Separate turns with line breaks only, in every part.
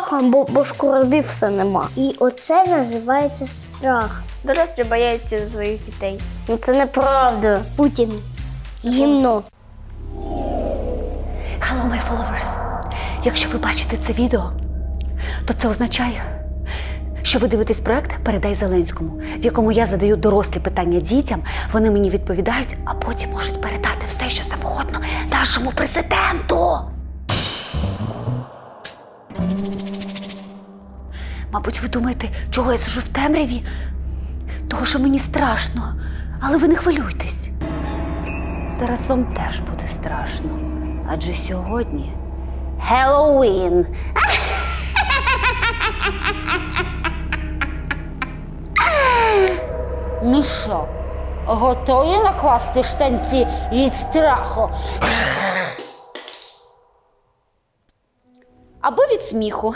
страхом, бо шкуродив все нема. І оце називається страх.
Дорослі бояться своїх дітей.
Ну це неправда. Путін. Гімно.
Hello, my followers! Якщо ви бачите це відео, то це означає, що ви дивитесь проект «Передай Зеленському», в якому я задаю дорослі питання дітям, вони мені відповідають, а потім можуть передати все, що завгодно нашому президенту. Мабуть, ви думаєте, чого я сижу в темряві? Того, що мені страшно. Але ви не хвилюйтесь. Зараз вам теж буде страшно. Адже сьогодні Хеллоуін. Ну що, готові накласти штанці від страху? Або від сміху.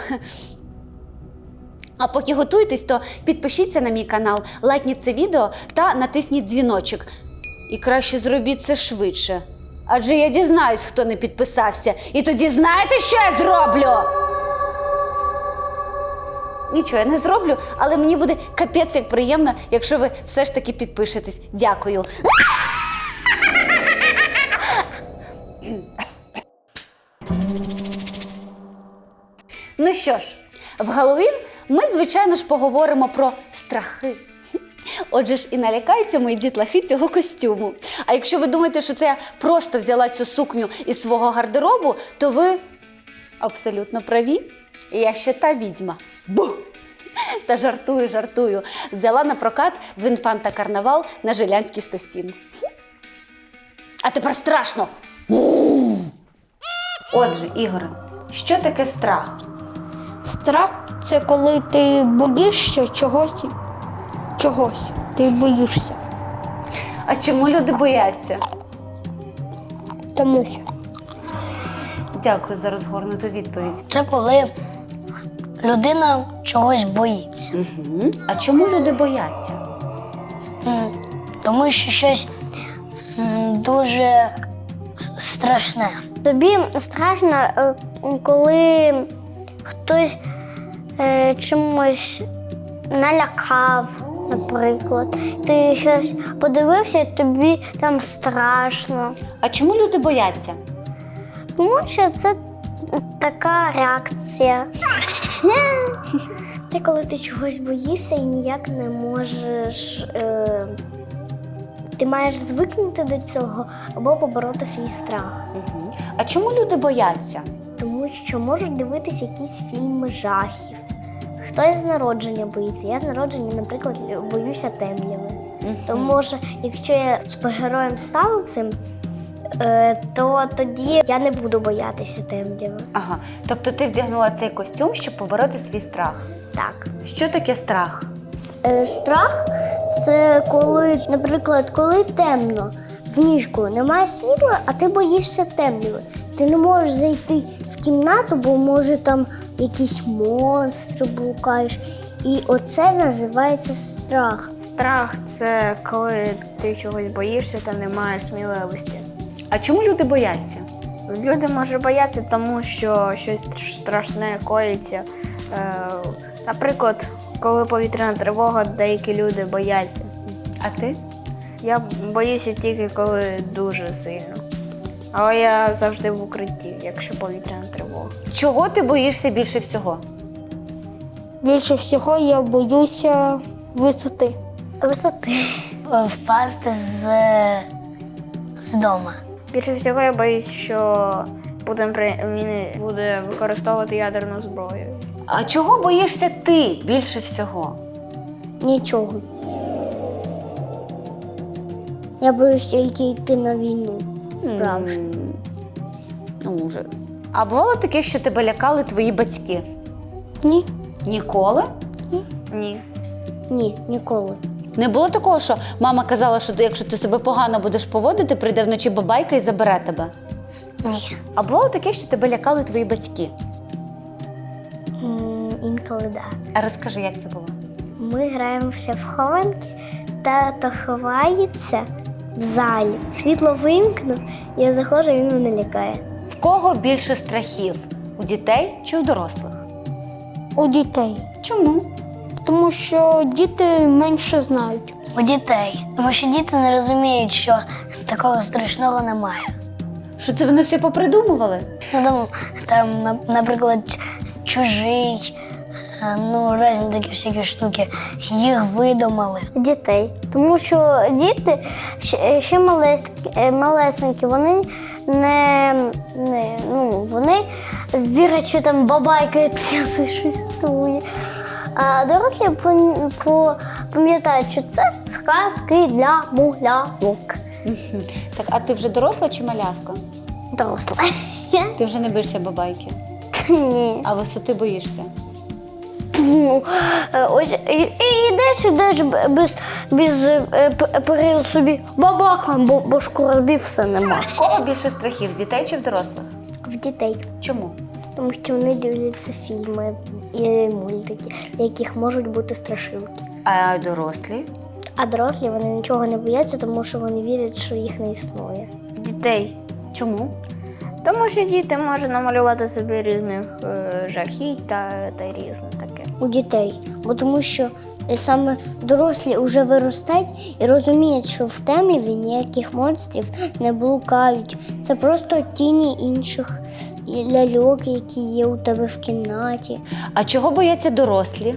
А поки готуєтесь, то підпишіться на мій канал, лайкніть це відео та натисніть дзвіночок. І краще зробіть це швидше. Адже я дізнаюсь, хто не підписався. І тоді знаєте, що я зроблю? Нічого я не зроблю, але мені буде капець як приємно, якщо ви все ж таки підпишетесь. Дякую. Ну що ж, в Галлоуін ми, звичайно ж, поговоримо про страхи. Отже ж і налякаються мої дітлахи цього костюму. А якщо ви думаєте, що це я просто взяла цю сукню із свого гардеробу, то ви абсолютно праві. Я ще та відьма. Бу! Та жартую. Взяла на прокат в Інфанта Карнавал на Жилянській 107. А тепер страшно! Отже, Ігоре, що таке страх?
Страх – це коли ти боїшся чогось. Ти боїшся.
А чому люди бояться?
Тому що.
Дякую за розгорнуту відповідь.
Це коли людина чогось боїться.
Угу. А чому люди бояться?
Тому що щось дуже страшне. Тобі страшно, коли хтось чимось налякав, наприклад. Ти щось подивився, і тобі там страшно.
А чому люди бояться?
Тому що це така реакція. Це коли ти чогось боїшся і ніяк не можеш. Ти маєш звикнути до цього або побороти свій страх.
Угу. А чому люди бояться?
Тому що можуть дивитися якісь фільми жахів. Хтось з народження боїться. Я з народження, наприклад, боюся темряви. Тому що якщо я супергероєм стану цим, то тоді я не буду боятися темряви.
Ага. Тобто ти вдягнула цей костюм, щоб побороти свій страх?
Так.
Що таке страх?
Страх – це коли, наприклад, коли темно, в ліжку немає світла, а ти боїшся темряви. Ти не можеш зайти в кімнату, бо може там якісь монстри блукаєш. І оце називається страх.
Страх – це коли ти чогось боїшся та немає сміливості.
А чому люди бояться?
Люди можуть боятися, тому що щось страшне коїться. Наприклад, коли повітряна тривога, деякі люди бояться.
А ти?
Я боюся тільки, коли дуже сильно. Але я завжди в укритті, якщо повітряна тривога.
Чого ти боїшся більше всього?
Більше всього я боюся висоти. Впасти з дому.
Більше всього я боюсь, що Путін буде використовувати ядерну зброю.
А чого боїшся ти більше всього?
Нічого. Я боюсь тільки йти на війну. Справжню.
Ну, може. А бувало таке, що тебе лякали твої батьки?
Ні.
Ніколи?
Ні.
Ні, ніколи.
Не було такого, що мама казала, що якщо ти себе погано будеш поводити, прийде вночі бабайка і забере тебе?
Ні.
А бувало таке, що тебе лякали твої батьки?
Інколи так. Да.
А розкажи, як це було?
Ми граємося в хованки, тато ховається в залі. Світло вимкнув, я заходжу, він мене лякає.
В кого більше страхів? У дітей чи у дорослих?
У дітей.
Чому?
Тому що діти менше знають.
У дітей. Тому що діти не розуміють, що такого страшного немає.
Що це вони все попридумували?
Ну, наприклад, чужий, різні такі всякі штуки, їх видумали. Дітей. Тому що діти ще малесенькі, вони вони вірять, що там бабайка существує. А дорослі пам'ятають, що це сказки для мулявок.
Так, а ти вже доросла чи малявка?
Доросла.
Ти вже не боїшся бабайки,
Ні.
а висоти боїшся?
Ось ідеш без перил собі бабахам, бо башку розбив, все нема.
В кого більше страхів, дітей чи в дорослих?
В дітей.
Чому?
Тому що вони дивляться фільми і мультики, в яких можуть бути страшилки.
А дорослі?
А дорослі вони нічого не бояться, тому що вони вірять, що їх не існує.
Дітей.
Чому?
Тому що діти можуть намалювати собі різних жахіть та різне таке.
У дітей. Бо тому що саме дорослі вже виростають і розуміють, що в темряві ніяких монстрів не блукають. Це просто тіні інших ляльок, які є у тебе в кімнаті.
А чого бояться дорослі?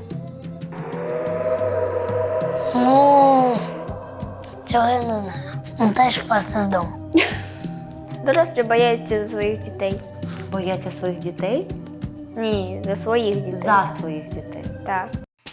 Цього я не знаю. Теж впасти з дому.
Дорослі бояться своїх дітей.
Бояться своїх дітей?
Ні, за своїх дітей.
За своїх дітей.
Так.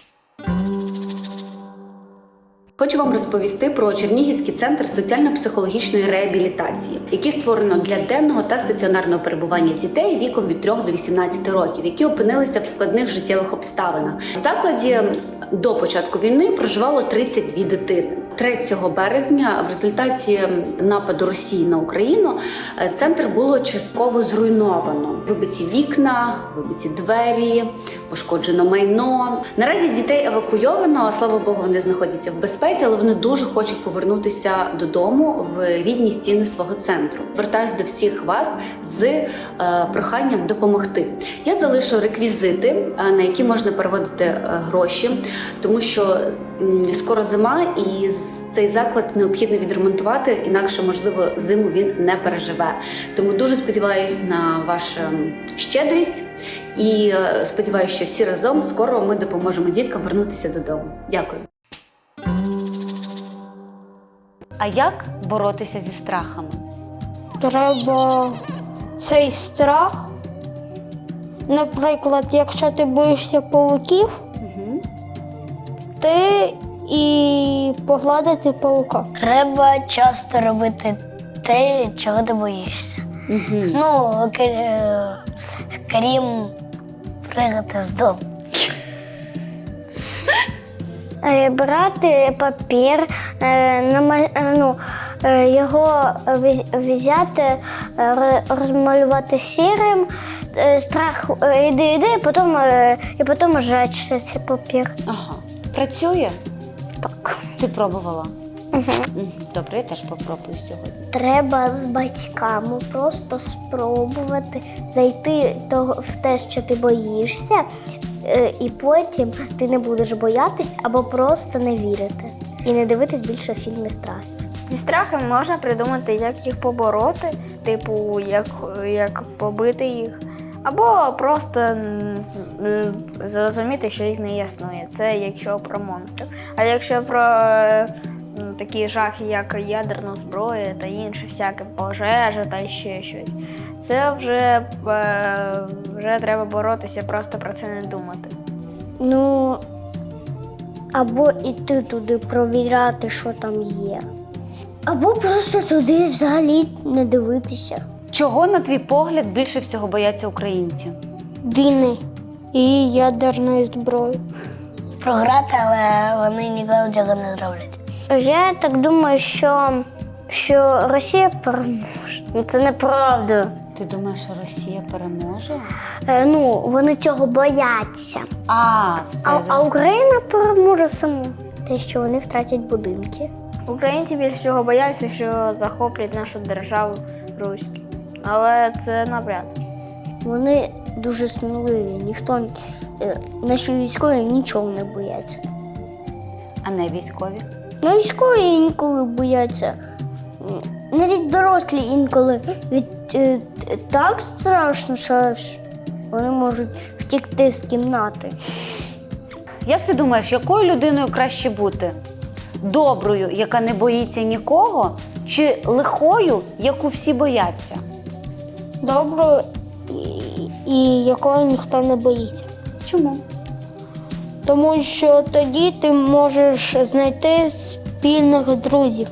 Хочу вам розповісти про Чернігівський центр соціально-психологічної реабілітації, який створено для денного та стаціонарного перебування дітей віком від 3 до 18 років, які опинилися в складних життєвих обставинах. В закладі до початку війни проживало 32 дитини. 3 березня в результаті нападу Росії на Україну центр було частково зруйновано. Вибиті вікна, вибиті двері, пошкоджено майно. Наразі дітей евакуйовано, слава Богу, вони знаходяться в безпеці, але вони дуже хочуть повернутися додому в рідні стіни свого центру. Звертаюсь до всіх вас з проханням допомогти. Я залишу реквізити, на які можна переводити гроші, тому що скоро зима і цей заклад необхідно відремонтувати, інакше, можливо, зиму він не переживе. Тому дуже сподіваюся на вашу щедрість і сподіваюся, що всі разом скоро ми допоможемо діткам вернутися додому. Дякую. А як боротися зі страхами?
Треба цей страх. Наприклад, якщо ти боїшся павуків, ти і погладити павука.
Треба часто робити те, чого ти боїшся. Крім пригати з дому. Брати папір, його взяти, розмалювати сірим, страх іди, і потім жечься цей папір.
Ага. Працює?
Так.
Ти пробувала? Добре, я теж попробую сьогодні.
Треба з батьками просто спробувати зайти в те, що ти боїшся, і потім ти не будеш боятись або просто не вірити. І не дивитись більше фільми страхів.
Зі страхами можна придумати, як їх побороти, типу, як побити їх. Або просто зрозуміти, що їх не існує. Це якщо про монстрів. А якщо про такі жахи, як ядерна зброя та інше, всяке пожежа та ще щось, це вже треба боротися, просто про це не думати.
Або йти туди провіряти, що там є. Або просто туди взагалі не дивитися.
Чого, на твій погляд, більше всього бояться українці?
Війни і ядерної зброї.
Програти, але вони ніколи цього не зроблять. Я так думаю, що Росія переможе. Це неправда.
Ти думаєш, що Росія переможе?
Вони цього бояться. А Україна переможе сама. Те, що вони втратять будинки.
Українці більше всього бояться, що захоплять нашу державу руські. Але це навряд.
Вони дуже сміливі. Наші військові нічого не бояться.
А не військові?
Ну, військові інколи бояться. Навіть дорослі інколи так страшно, що аж вони можуть втікти з кімнати.
Як ти думаєш, якою людиною краще бути? Доброю, яка не боїться нікого, чи лихою, яку всі бояться?
Доброю і якого ніхто не боїться.
Чому?
Тому що тоді ти можеш знайти спільних друзів.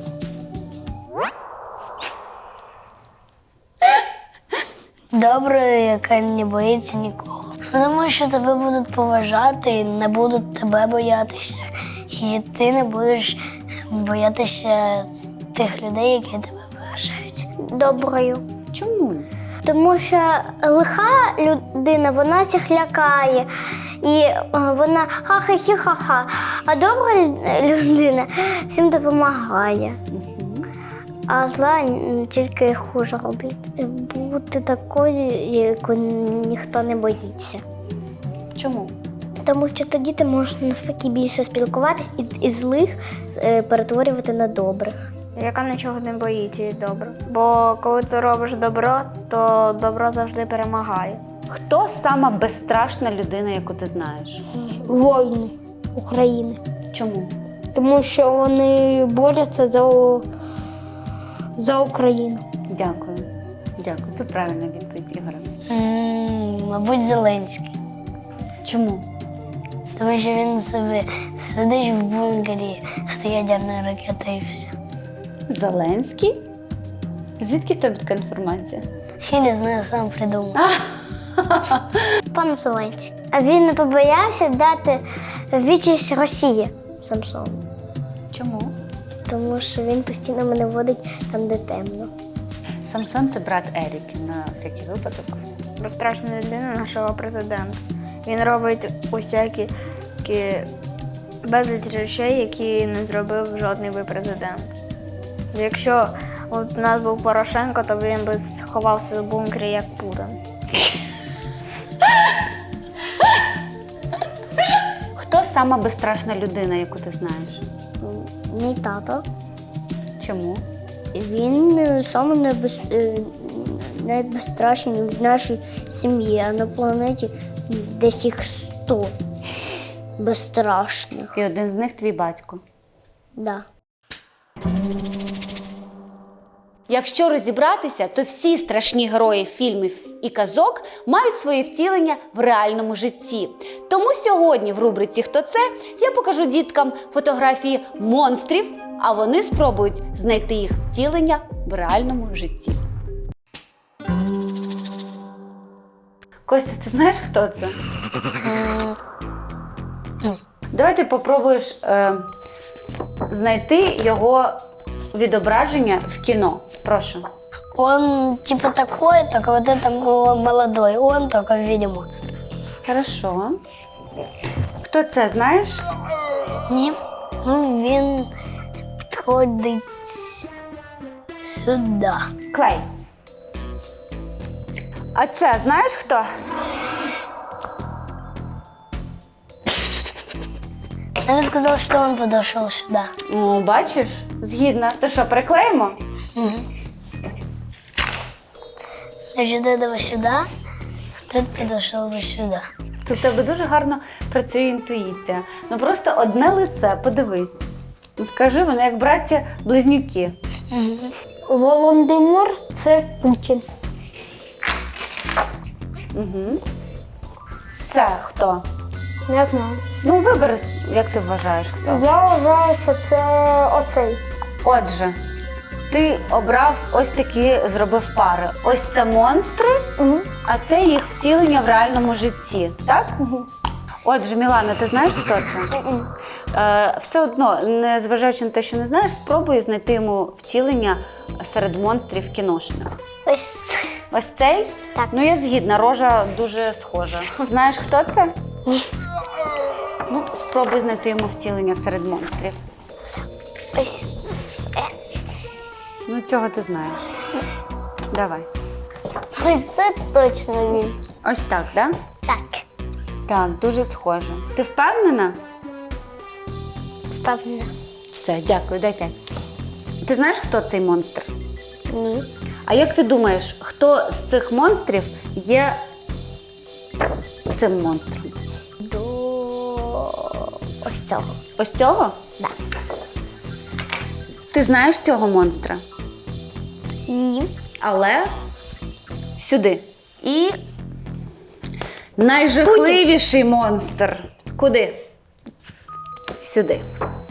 Доброю, яка не боїться нікого. Тому що тебе будуть поважати, не будуть тебе боятися. І ти не будеш боятися тих людей, які тебе поважають. Доброю.
Чому?
Тому що лиха людина, вона всіх лякає. І вона ха-ха-хі-ха-ха. А добра людина всім допомагає. А зла тільки хуже робить. Бути такою, яку ніхто не боїться.
Чому?
Тому що тоді ти можеш навпаки більше спілкуватись і злих перетворювати на добрих.
Яка нічого не боїться і добре. Бо коли ти робиш добро, то добро завжди перемагає.
Хто сама безстрашна людина, яку ти знаєш?
Воїни України.
Чому?
Тому що вони борються за Україну.
Дякую. Дякую. Це правильна відповідь, Ігоре.
Мабуть, Зеленський.
Чому?
Тому що він собі сидить в бункері з ядерною ракетою і все.
Зеленський? Звідки в тебе така інформація?
Я не знаю, сам придумав. Пан Зеленський. А він не побоявся дати відсіч Росії Самсону.
Чому?
Тому що він постійно мене водить там, де темно.
Самсон – це брат Еріки, на всякий випадок.
Безстрашна людина нашого президента. Він робить усякі безліч речей, які не зробив жодний би президент. Якщо от у нас був Порошенко, то він би сховався в бункері, як Путін.
Хто сама безстрашна людина, яку ти знаєш?
Мій тато.
Чому?
Він саме найбезстрашніший в нашій сім'ї, а на планеті десь їх 100 безстрашних.
І один з них твій батько.
Да.
Якщо розібратися, то всі страшні герої фільмів і казок мають своє втілення в реальному житті. Тому сьогодні в рубриці «Хто це?» я покажу діткам фотографії монстрів, а вони спробують знайти їх втілення в реальному житті. Костя, ти знаєш, хто це? Давай ти попробуєш знайти його відображення в кіно. Прошу.
Он типа такой, только вот это молодой. Он только в виде монстра.
Хорошо. Хто це, знаєш?
Ні. Він підходить сюди.
Клей. А це знаєш хто?
Я бы сказал, что он подошел сюда.
О, бачиш? Згідна. То що, приклеїмо?
Значит, этого сюда, тут подошел бы сюда.
Тут в тебе дуже гарно працює інтуїція. Ну просто одне лице, подивись. Ну, скажи, вони як браття-близнюки.
Володимир – це Путін.
Угу. Це хто?
Не знаю.
Ну, вибери, як ти вважаєш, хто?
Я вважаю, що це оцей.
Отже, ти обрав ось такі, зробив пари. Ось це монстри, а це їх втілення в реальному житті, так? Отже, Мілана, ти знаєш, хто це? Все одно, незважаючи на те, що не знаєш, спробуй знайти йому втілення серед монстрів кіношних.
Ось
Ось цей?
Так.
Ну, я згідна, рожа дуже схожа. Знаєш, хто це?
Ні.
Ну, спробуй знайти йому втілення серед монстрів.
ось це.
Ну, цього ти знаєш. Давай.
Ось це точно він.
Ось так, так?
Так,
Так, дуже схоже. Ти впевнена?
впевнена.
Все, дякую, дай 5. Ти знаєш, хто цей монстр?
Ні.
А як ти думаєш, хто з цих монстрів є цим монстром?
До ось цього.
Ось цього?
Так.
Ти знаєш цього монстра?
Ні.
Але сюди. І найжахливіший монстр. Куди? Сюди.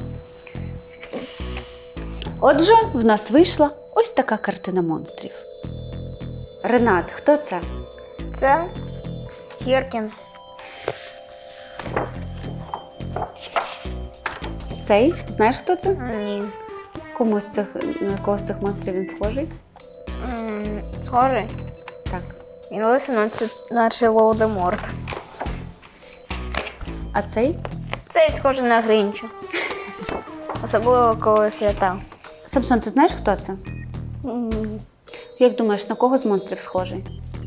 Отже, в нас вийшла ось така картина монстрів. Ренат, хто це?
Це Гіркін.
Цей? Знаєш, хто це?
Ні.
На кого з цих монстрів він схожий?
Схожий.
Так.
Він лисий, наче Волдеморт.
А цей?
Цей схожий на Грінча. Особливо коли свята.
Самсон, ти знаєш, хто це? Як думаєш, на кого з монстрів схожий?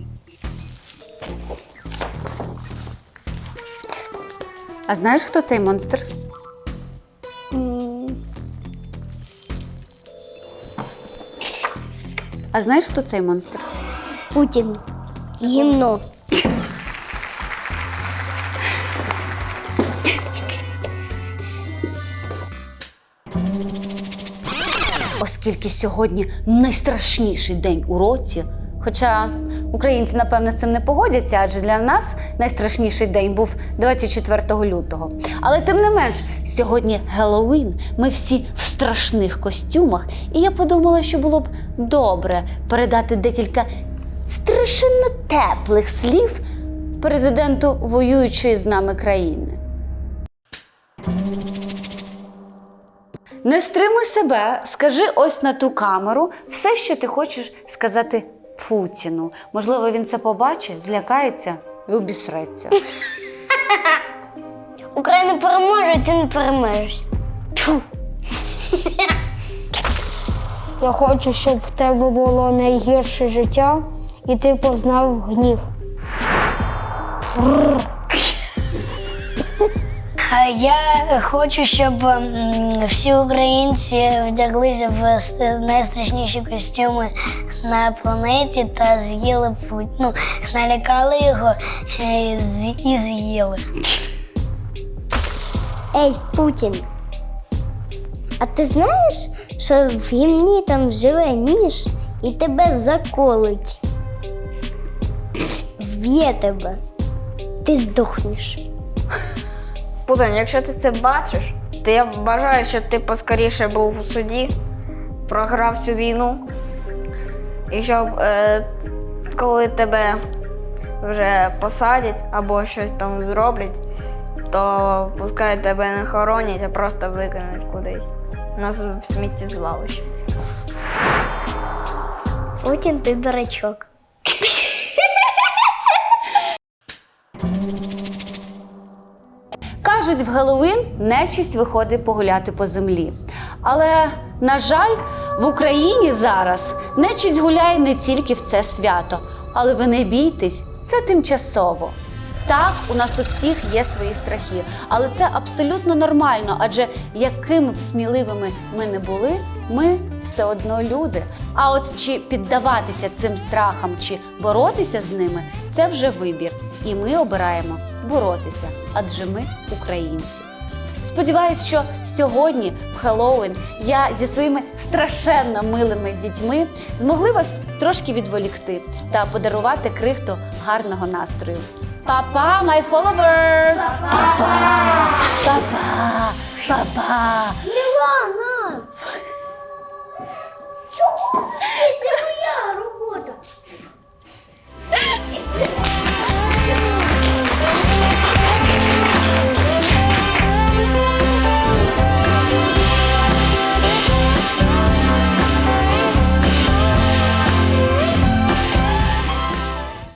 А знаєш, хто цей монстр? А знаєш, хто цей монстр?
Путін. Гімно.
Оскільки сьогодні найстрашніший день у році, хоча українці, напевно, з цим не погодяться, адже для нас найстрашніший день був 24 лютого. Але тим не менш, сьогодні Геловін, ми всі в страшних костюмах, і я подумала, що було б добре передати декілька страшенно теплих слів президенту воюючої з нами країни. Не стримуй себе, скажи ось на ту камеру все, що ти хочеш сказати Путіну. Можливо, він це побачить, злякається і обісреться.
Україна переможе, і ти не переможеш. Тьфу.
Я хочу, щоб в тебе було найгірше життя, і ти познав гнів.
А я хочу, щоб всі українці вдяглися в найстрашніші костюми на планеті та з'їли Путіна. Налякали його і з'їли.
Ей, Путін. А ти знаєш, що в гімні там живе ніж і тебе заколить? В'є тебе. Ти здохнеш.
Путін, якщо ти це бачиш, то я бажаю, щоб ти поскоріше був у суді, програв цю війну. І щоб коли тебе вже посадять або щось там зроблять, то пускай тебе не хоронять, а просто викинуть кудись на сміттєзвалище.
Путін, ти дурачок.
Кажуть, в Геловін нечисть виходить погуляти по землі. Але, на жаль, в Україні зараз нечисть гуляє не тільки в це свято. Але ви не бійтесь, це тимчасово. Так, у нас у всіх є свої страхи, але це абсолютно нормально, адже якими б сміливими ми не були, ми все одно люди. А от чи піддаватися цим страхам, чи боротися з ними – це вже вибір. І ми обираємо боротися, адже ми українці. Сподіваюсь, що сьогодні, в Хеллоуін, я зі своїми страшенно милими дітьми змогли вас трошки відволікти та подарувати крихту гарного настрою. Па-па, my followers! Па-па! Па-па! Па-па!
Мілана!